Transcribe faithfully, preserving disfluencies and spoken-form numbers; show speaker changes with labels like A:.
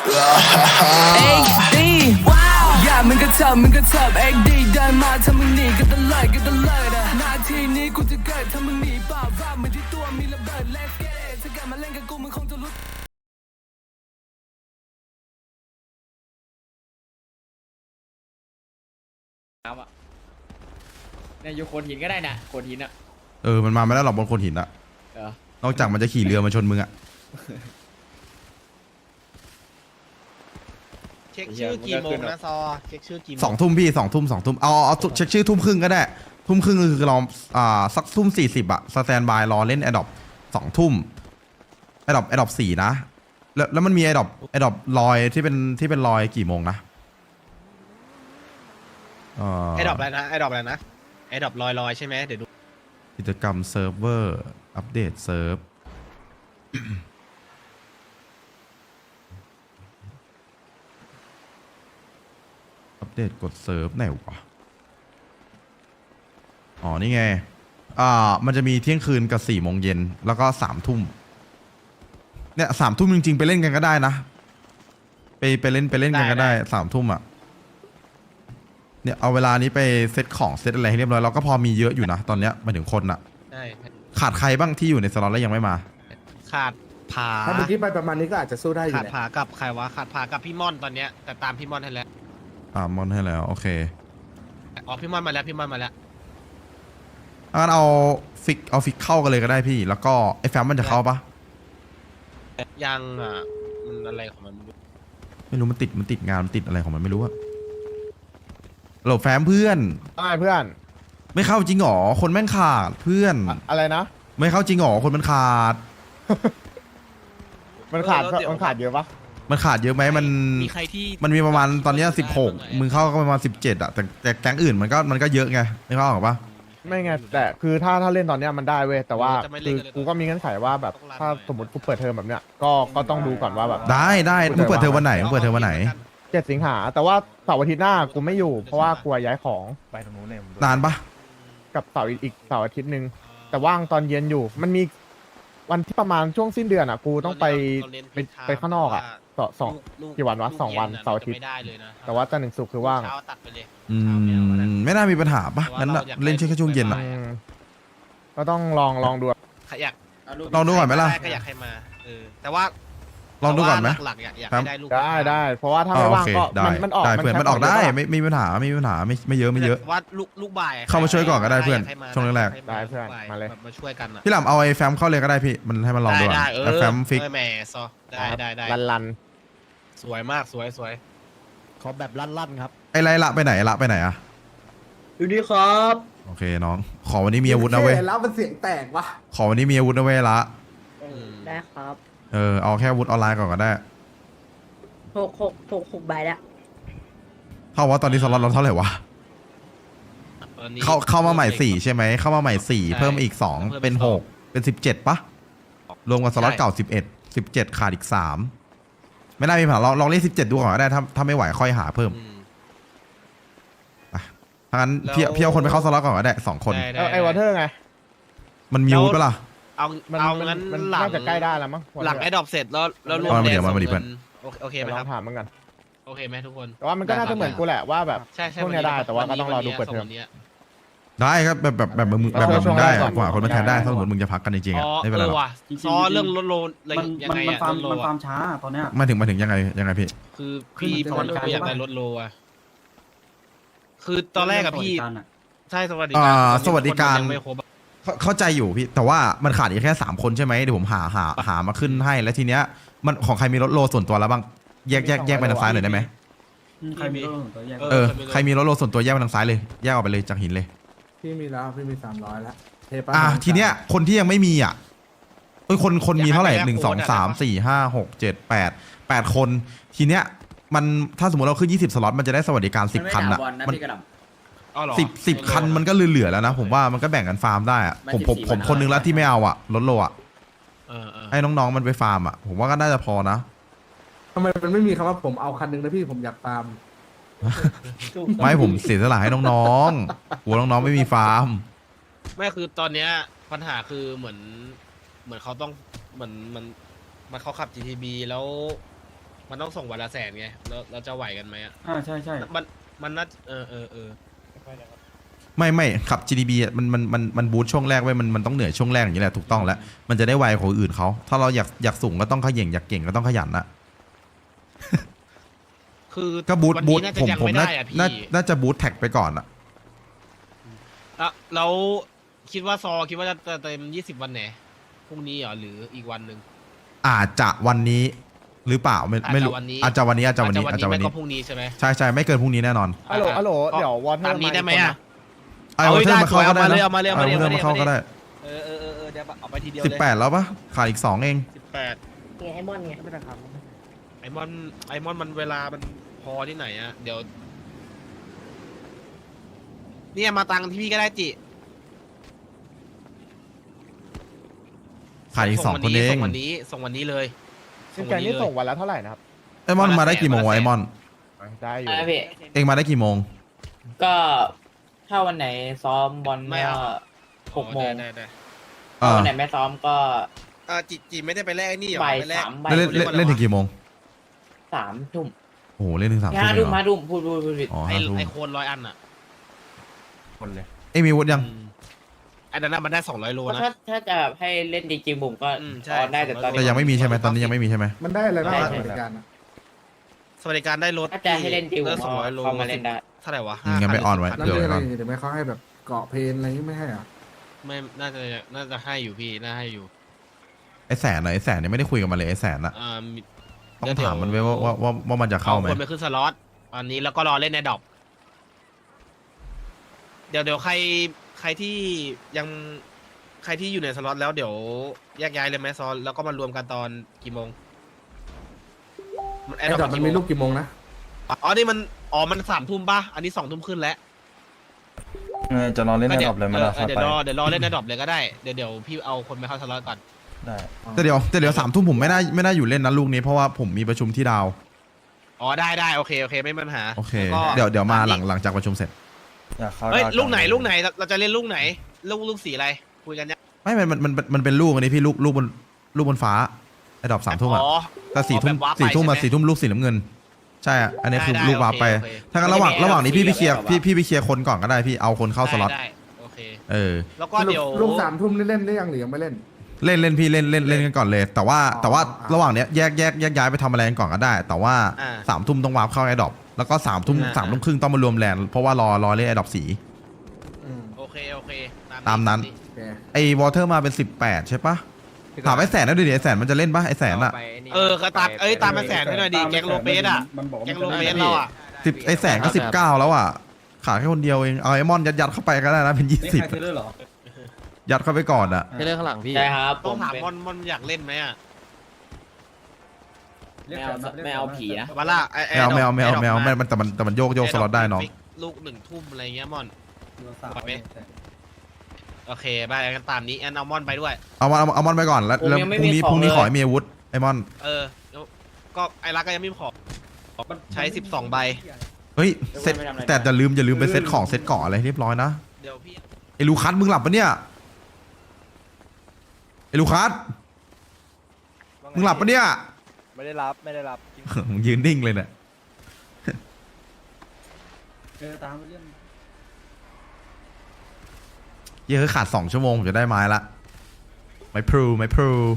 A: เอ็กดีว้าวอย่ามึงก็เถิบมึงก็เถิบเอ็กดีเดินมาถ้ามึงหนีก็ตะเลิดก็ตะเลิดหน้าที่นี้กูจะเกิดถ้ามึงหนีเปล่าว่าเหมือนที่ตัวมีระเบิด Let's get it ถ้ากลับมาเล่นกับกูมึงคงจะรู้
B: น้ำอ่ะเนี่ยอยู่โขดหินก็ได้นะโขดหินอ่ะ
C: เออมันมาไม่ได้หรอกบนโขดหินอะ
B: เออน
C: อกจากมันจะขี่เรือมาชนมึงอะ
D: เช็คชื่อกี่โมงนะซอเช็คชื่อกี่โมง
C: สองทุ่มพี่สองทุ่มสองทุ่มเอาเอาเอาเช็คชื่อทุ่มครึ่งก็ได้ทุ่มครึ่งคือเราอ่าสักทุ่มสี่สิบอะสแตนบายรอเล่นแอดดอปสองทุ่มแอดดอปแอดดอปสี่นะแล้วแล้วมันมีแอดดอปแอดดอปลอยที่เป็นที่เป็นลอยกี่โมงนะเอ่อ
D: ไอดรอปอะไรนะไอดรอปอะไรนะไอดรอปลอยลอยใช่ไหมเดี๋ยวดู
C: กิจกรรมเซิร์ฟเวอร์อัปเดตเซิร์ฟ อัปเดตกดเซิร์ฟไหนวะอ๋อนี่ไงอ่ามันจะมีเที่ยงคืนกับสี่โมงเย็นแล้วก็สามทุ่มเนี่ยสามทุ่มจริงๆไปเล่นกันก็ได้นะไปไปเล่นไปเล่นกันก็ได้สามทุ่มอ่ะเนี่ยเอาเวลานี้ไปเซตของเซตอะไรให้เรียบร้อยเราก็พอมีเยอะอยู่นะตอนเนี้ยมาถึงคนอ่ะ
D: ใช่
C: ขาดใครบ้างที่อยู่ในสล็อตแล้วยังไม่มา
D: ขาดผา
E: ถ้าเมื่อกี้ไปประมาณนี้ก็อาจจะสู้ได้อยู่
D: ขาด
E: แหละ
D: ผากับใครวะขาดผากับพี่ม่อนตอนเนี้ยแต่ตามพี่ม่อนให้แล้ว
C: ตามมอนให้แล้วโอเค
D: อ๋อพี่ม่อนมาแล้วพี่ม่อนมาแล้ว
C: งั้นเอาฟิกเอาฟิกเข้ากันเลยก็ได้พี่ แล้วก็ไอ้แฟมมันจะเข้าปะ
D: ยังอ่ะมันอะไรของมันไม่รู้
C: ไม่รู้มันติดมันติดงานมันติดอะไรของมันไม่รู้อะโหลแฟมเพื่อน
E: ได้เพื่อน
C: ไม่เข้าจริงหรอคนแม่งขาดเพื่อน
E: อะอะไรนะ
C: ไม่เข้าจริงหรอคนมันขาด
E: มันขาดมันขาดเยอะปะ
C: มันขาดเยอะไหมมัน
D: มีใครที่
C: มันมีประมาณตอนเนี้สิบหกมึงเข้าก็ประมาณสิบเจ็ดอะแต่แต่แก๊งอื่นมันก็มันก็เยอะไงไม่เข้าหรอปะ
E: ไม่ไงแต่คือถ้าถ้าเล่นตอนเนี้ยมันได้เว้ยแต่ว่าคือกูก็มีเงื่อนไขว่าแบบถ้าสมมติกูเปิดเทอมแบบเนี้ยก็ก็ต้องดูก่อนว่าแบบ
C: ได้ได้มึงเปิดเทอมวันไหนมึงเปิดเทอมวันไหน
E: เจ็ดสิงหาแต่ว่าเสาร์อาทิตย์หน้ากูไม่อยู่เพราะว่ากลัวย้ายของ
C: นานปะ
E: กับเสาร์อีกเสาร์อาทิตย์หนึ่งแต่ว่างตอนเย็นอยู่ มันมีวันที่ประมาณช่วงสิ้นเดือนอ่ะกูต้องไปไปไปข้างนอกอ่ะสองสอง กี่วันวะสองวันเสาร์อาทิตย์
D: ไม่ได้เลยนะ
E: แต่ว่าจันทร์ถึงศุกร์คือว่าง
D: เช้าตัดไปเลย
C: อืมไม่น่ามีปัญหาปะงั้นอะเล่นแค่ช่วงเย็นอะ
E: อืมก็ต้องลองลองดู
D: ใครอยาก
C: ลองดูก่อนไหมล่ะ
D: ก็อยากให้มาเออแต่ว่า
C: ลองดูก่อนไหม
D: หลักๆอยากอยากให้ได้ลูก
E: ได้ได้เพราะว่าถ้า
C: อ๋อ
E: ไม่
C: โอ
E: ว่าง
C: เค
E: ก็
C: ได้
E: มันมันออก
C: ได้เพื่อนมันออกได้
E: ไม่
C: ไม่ไม่มีปัญหาไม่มีปัญหาไม่ไม่เยอะไม่เยอะ
D: ว่าลูกลูกบ่าย
C: เข้ามาช่วยก่อนก็ได้เพื่อน
D: ยาให้มา
C: ช่วงแรก
D: ให้
E: ได้เพื่อน
D: ลูบ่
E: มาเลย
D: แบบมาช่วยกันอะ
C: พี่หลำเอาไอ้แฟมเข้าเลยก็ได้พี่มันให้มันลองดู
D: ได้
C: อะ
D: ได้เอ
C: ไอ้
D: อ
C: แฟมฟิก
D: เออแหมซอได้ได้ได้
E: ลันลัน
D: สวยมากสวยสวย
F: ขอแบบลั่นๆครับ
C: ไอ้ไรละไปไหนละไปไหนอะ
F: อยู่นี่ครับ
C: โอเคน้องขอวันนี้มีอาวุธนะเว้ย
E: แล้วมันเสียงแตกวะ
C: ขอวันนี้มีอาวุธนะเว้ยละ
G: ได้ครับ
C: เออเอาแค่อาวุธออนไลน์ก่อนก็ได้
G: หกหกหกหกใบแล้ว
C: เท่าว่าตอนนี้สล็อตเราเท่าไหร่วะ
D: ตอนนี้
C: เข้าเข้ามาใหม่สี่ใช่ไหมเข้ามาใหม่สี่เพิ่มอีกสอง
D: เพิ่มอีก
C: เป็น
D: สอง
C: หกเป็นสิบเจ็ดปะรวมกับสล็อต
D: ใช่
C: เก่าสิบเอ็ดสิบเจ็ดขาดอีกสามไม่น่ามีปัญหาลองลองเล่นสิบเจ็ดดูก่อนก็ได้ถ้าถ้าไม่ไหวค่อยหาเพิ่ม
D: อืม
C: ถ้างั้นพี่
D: แล้ว
C: พี่เอาคนไปเข้าสล็อตก่อนก็ได้สองคน
D: ได้ด้
E: เอาไอ้วอเตอร์ไง
C: มันมีอาวุธปะล่ะ
D: เอา
E: มัน
D: เอา
E: มัน
D: งั้น
E: มัน
D: หลัง
E: น่าจะใกล้ได้แล้วมั้ง
D: หลังไอ้ดอกเสร็จแล้วแล้วรวม
C: เอามา
D: แด
C: เดี๋
D: ง
C: ยวมา
D: ส่ง
C: เดี๋ยว
D: เงินโอเคโอเคไหม
E: เดี๋ยว
D: ค
E: ล
D: รั
E: อบ งถามเหมือนกัน
D: โอเคไหมทุกคน
E: แต่ว่ามันก็น่าจะเหมือนกูแหละว่าแบบ
D: ใช่ใช่
E: พวกเนี้ยได้แต่ว่าก็ต้องรอดูเปิดเทอม
D: วันนี้
C: ได้ครับแบบแบบแบบมึงแบบแบบมึงได้อะกว่าคนมาแทนได้ถ้าสมมติมึงจะพักกันจริงๆ
D: อ๋
C: อะ
D: อ
C: ไม่เป็นไร
D: เอ
C: หร
D: อ
C: อก
D: ว่ะ
F: จริงๆ
D: ซอเรื่องลดโลนอะไร
F: มัน
D: ยัง
F: มัน
D: ไง
F: มัน
D: อะ
F: ฟาร์ม
D: ลดโล
F: มันฟา
D: อะ
F: ร์มช้าตอนเนี้ย
C: มาถึงมาถึงยังไงยังไงพี่
D: คือพี่
F: ขึ้น
D: พอ
F: สวัสดิการ
D: อยากได้
F: ใช่ปะ
D: ลดโลอะคือตอนแรกกับพี่
F: สวัสดิการอะ
D: ใช่สวัสดิ
C: อ่
D: การ
C: า
D: ตอนนี้
C: สวัสดิการ
D: คนมันยังไม่ครบอะ
C: เข้าเข้าใจอยู่พี่แต่ว่ามันขาดอีกแค่สามคนใช่ไหมเดี๋ยวผมหาหาหามาขึ้นให้แล้วทีเนี้ยมันของใครมีรถโลส่วนตัวแล้วบ้างแยกแยกแยกไปทางซ้ายหน่อยได้ไหม
F: อืมใครมีรถตัวแยก
C: เออใครมีรถโลส่วนตัวแยกไปทางซ้ายเลยแยกออกไปเลยจากหินเลย
E: พี่มีแล้วพี่มีสามร้อยแล้วเทปะ
C: อ่ะทีเนี้ยคนที่ยังไม่มีอ่ะเอ้ยคนคนมีเท่าไหร่หนึ่งสองสามสี่ห้าหกเจ็ดแปดแปดคนทีเนี้ยมันถ้าสมมติเราขึ้นยี่สิบสล็อตมันจะได้สวัสดิการสิบคันอ่ะมัน
D: อ๋อเหรอ
C: สิบสิบคันมันก็เหลือๆแล้วนะผมว่ามันก็แบ่งกันฟาร์มได้อ่ะผมผมผมคนนึงแล้วที่ไม่เอาอ่ะรถโลอ่ะ
D: เออเออ
C: ให้น้องๆมันไปฟาร์มอ่ะผมว่าก็น่าจะพอนะ
E: ทำไมมันไม่มีคำว่าผมเอาคันหนึงนะพี่ผมอยากตาม
C: ไม่ผมเสียสละให้น้องๆกลัวน้องๆไม่มีฟาร์ม
D: ไม่คือตอนเนี้ยปัญหาคือเหมือน เหมือนเขาต้องเหมือนมันมันเขาขับ จี ที บี แล้วมันต้องส่งวันละแสนไงแล้วเราจะไหวกันไหมอ่ะ
F: อ่าใช่ใช่
D: มันมันน่าเออเออเออ
C: ไม่ไม่ขับ จี ดี บี อะมันมันมันมันบูทช่วงแรกไว้มันมันต้องเหนื่อยช่วงแรกอย่างนี้แหละถูกต้องแล้วมันจะได้ไวกว่าคนอื่นเขาถ้าเราอยากอยากสูงก็ต้องขย่งอยากเก่งก็ต้องขยันนะ
D: คือ
C: ก็บูท
D: วัน
C: บู
D: นี้
C: ท
D: น่าจะยัง
C: ผมผม
D: ไม่
C: น่า
D: ได้อ่ะพี่
C: น่าน่าจะบูทแท็กไปก่อนอะ
D: อ่ะแล้วคิดว่าซอคิดว่าจะจะเต็มยี่สิบวันไหนพรุ่งนี้เหรอหรืออีกวันหนึ่ง
C: อาจจะวันนี้หรือเปล่าไม่ไม่รู้
D: อาจจะวันนี้
C: อาจจะวันนี้อาจจะวันนี้อาจจะวัน
D: ไม่
C: นี้
D: ก็พรุ่งนี้ใช่ไหม
C: ใช่ใช่ไม่เกินพรุ่งนี้แน่นอน
E: ฮัลโหลฮัลโหล
D: ก็
E: เดี๋ยววอเทอ
D: ตาม
E: ร์
D: นี้ได้ไหม
E: อีกคน
D: อ่ะ
E: นะ
C: ไอ้
D: เอา
C: วอ
D: ไว้
C: เทอร์
D: ได้
C: มาเข้าก็ได้
D: เอามาเลย
C: นะ
D: เอามาเลยเอามาเลย
C: ไอ้วอเทอร์มาเข้าก็ได้
D: เออเออเออเออเดี๋ยวเอาไปทีเดียว
C: สิบ
D: เลย
C: แปดแล้วปะขาดอีกสองเอง
D: สิบแปด
G: เนี่ยไอมอนไง
E: ไม่ได้ครับ
D: ไอมอนไอมอนมันเวลามันพอที่ไหนอะเดี๋ยวเนี่ยมาตังที่พี่ก็ได้จิ
C: ขาดอีกสองคนเอง
D: ส่งวันนี้ส่งวันนี้เลย
E: ซินแกนนี่ส่งวันละเท่าไหร่นะครับ
C: ไอมอนมาได้กี่โมงวะไอมอน
E: ได้อยู่
H: อะไรพี่
C: เองมาได้กี่โมง
H: ก็ถ้าวันไหนซ้อมบอล
D: ไม่
H: ก็
D: เอา
H: หกโมง
D: ได้ได้ได้
C: เอ
H: ถ้า
C: อ
H: วันไหนไม่ซ้อมก็
D: อ่าจิจิไม่ได้ไปแลกไอ้นี่เหรอ
H: บ่าย
D: ไปแลก
H: สามบ่าย
C: เล่นเล่นเล่นถึงกี่โมง
H: สามทุ่ม
C: โอ้โหเล่นถึงสามทุ่ม
H: ห้า
C: เลย
H: ทุ่ม
C: เหรอ
H: ห้าทุ่มพูดพูดพูดผิด
C: อ๋อ
D: ไอ
C: ห้าทุ่ม
D: ไอโคนร้อยอันอะ
F: คนเลย
C: เอ็งมีวุฒิยัง
D: อืมไอันนั้นนะมันได้สองร้อยโล
H: ก็
D: นะ
H: ถ้าถ้าจะให้เล่นจริงๆผมก็
D: อืมใช่
H: ออนได้แต่ตอน
C: แต่
H: นี้
C: ยังไม่มีใช่ไหมตอนนี้ยังไม่มีใช่ไหม
I: มันได้อะไรบ้าง
H: ได้
I: อะ
H: ใช่
I: สวัสดิการอะ
D: สวัสดิการได้รถ
H: ถ้าจะให้เล่นจริงผม
D: สองร้อยโล
H: เข้ามาเล่นได้
D: เท่าไหร่วะ
C: อืมงั้นไปออนไว้
I: แล้ว
C: เดี๋ยว
I: เรื่อง
C: ไว้
I: อะไร
C: ก่อน
I: เดี๋ยวไม่เขาให้แบบเกาะเพลนอะไรอย่างงี้ไม่ให้อ่ะ
D: ไม่น่าจะน่าจะให้อยู่พี่น่าให้อยู่
C: ไอแสนอะไอแสนเนี่ยไม่ได้คุยกับมันเลยไอแสนอะ
D: อ่ามี
C: ต้องถามมันไว้ว่าว่าว่าว่ามันจะเข้าไหม
D: คนไปขึ้นสล็อตตอนนี้แล้วก็รอเล่นในดอกเดี๋ยวเดี๋ยวใครใครที่ยังใครที่อยู่ในสล็อตแล้วเดี๋ยวแยกย้ายเลยไหมซอนแล้วก็มารวมกันตอนกี่โมงมันแอ
I: ไอ้
D: ดด
I: ด
D: อ
I: อก
D: ก
I: มัน
D: กี่โม
I: มี
D: ง
I: ลูกกี่โมงนะ
D: อ๋อนี่มันอ๋อมันสามทุ่มป่ะอันนี้สองทุ่มขึ้นแล้ว
F: จะรอเล่น
D: ก็
F: ใน
D: เดี๋
F: ด
D: ย
F: อ
D: ว
F: บเลยไหม
D: เอ
F: ล่ะ
D: อ
F: ครับ
D: เดี๋ยว
F: ไป
D: รอเดี๋ยวรอเล่นในดอบเลยก็ได้เดี๋ยวเดี๋ยวพี่เอาคนไปเข้าสล็อตก่อน
F: ได้
C: แต่เดี๋ยวแต่เดี๋ยวสามทุ่มผมไม่ได้ไม่ได้อยู่เล่นนะลูกนี้เพราะว่าผมมีประชุมที่ดาว
D: อ๋อได้ได้โอเคโอเคไม่มีปัญหา
C: โอเค
D: แล้วก็
C: เดี๋ยวเดี๋ยวมาหลัง
D: ตนี้
C: หลังจากประชุมเสร็จ
F: อยากเข้า
D: เฮ้ย
F: ดาว
D: ลูกไหน
F: จัง
D: ลูกไหนเราเราจะเล่นลูกไหนลูกลูกสีอะไรคุยกันเนี่ย
C: ไม่มันมันมันมันเป็นลูกอันนี้พี่ลูกลูกบนลูกบนฟ้าไอ้ดอกสามทุ่มอะ
D: อ๋อ
C: แต่สี่ทุ่ม
D: แบบวาร์ปไป
C: สี่ทุ่มมา
D: ใช่ไหม
C: สี่ทุ่มลูกสีน้ำเงิน ใช่อะอันนี้คือ
D: ได้ได้
C: ลูกวาร์ปไป
D: โอเคโอเค
C: ถ้างั้นระหว่าง
H: ไม่ได้
C: ระหว่างนี้พี่
H: ไม่
C: พี่เคลียร์
H: ได้
C: พี่พี่ไปเคลียร์คนก่อนก็ได้พี่เอาคนเข้าสล็อต
D: ได้ได้โอเค
C: เออ
D: แล้วก็เดี๋ยว
I: ลูกสามทุ่มนี่เล่นได้ยังหรือยังไม่เล่น
C: เล่นเล่นพี่เล่นเล่นเล่นกันก่อนเลย แต่ว่า
I: อ๋อ
C: แต่ว่า
I: อ่า
C: ระหว่างเนี้ยแยกแยกแยกย้ายไปทำอะไรกันก่อนก็ได้ แต่ว่า
D: อ่า
C: สามทุ่มต้องวาร์ปเข้าไอ้ดอกแล้วก็สามทุ่ม
D: อ่า
C: สามทุ่มครึ่งต้องมารวมแลนด์เพราะว่ารอรอเล่นไอ้ดอกสี
I: อืม
D: โอเคโอเค
C: ตามนั้น
I: โอเค
C: ไอ้วอเตอร์มาเป็นสิบแปดใช่ปะถามไอ้แสนนะดูดิไอ้แสนมันจะเล่นปะไอ้แสนอะ
D: เออกระตักเอ้ยตามมาแสนให้หน่อยดิแก๊งโลเปสอ่ะ
F: มันบอกว่า
D: แก๊ง
F: มัน
D: โล
F: จะ
D: เป
F: ได้
D: สเราอ่ะ
C: สิบไอ้แสนก็สิบเก้าแล้วอ่ะขาดแค่คนเดียวเองเอาไอ้มอนยัดยัดเข้าไปก็ได้นะเป็นยี่
F: นี่
C: สิบ
F: ใครซื้อด้วยเหรอ
C: ยัดเข้าไปก่อนอ่ะ
F: ให้เรื่องข้างหลังพี่
H: ใช่ครับผ
D: ต้อง
H: ม
D: ถาม
H: เป็น
D: มอนมอนอยากเล่นไหมอ่ะ
H: ไม่เอาไม่เอาผีนะ
D: วาล่าไอ้
C: แมวแมวแมวแมว
D: ไอ้
C: แม
D: ด
C: วมันแต่มันแต่มันโยกโยกสล็อตได้น้อง
D: ลูกหนึ่งทุ่มอะไรเงี้ยมอน
F: สาว
D: ไหม โอเคไปกันตามนี้แอนเอามอนไปด้วย
C: เอามาเอาเอามอนไปก่อนแล้วแล้วพรุ่งนี้พรุ่งนี้ขอให้มีอาวุธไอ้มอน
D: เออแล้วก็ไอ้รักก็ยังไม่พอใช้สิบสองใบ
C: เฮ้ยเซ็ตแต่อย่าลืมอย่าลืมไปเซ็ตของเซ็ตเกาะอะไรให้เรียบร้อยนะ
D: เดี๋ยวพี่
C: ไอ้ลูคัสมึงหลับปะเนี่ยไอ้ลูคัสมึงหลับปะเนี่ย
J: ไม่ได้รับไม่ได้รับ
C: มึงยืนนิ่งเลยเนี่ย
F: เออตามไปเรื่อง
C: เยอะขาดสองชั่วโมงผมจะได้ไม้ละไม้พลูไม้พลู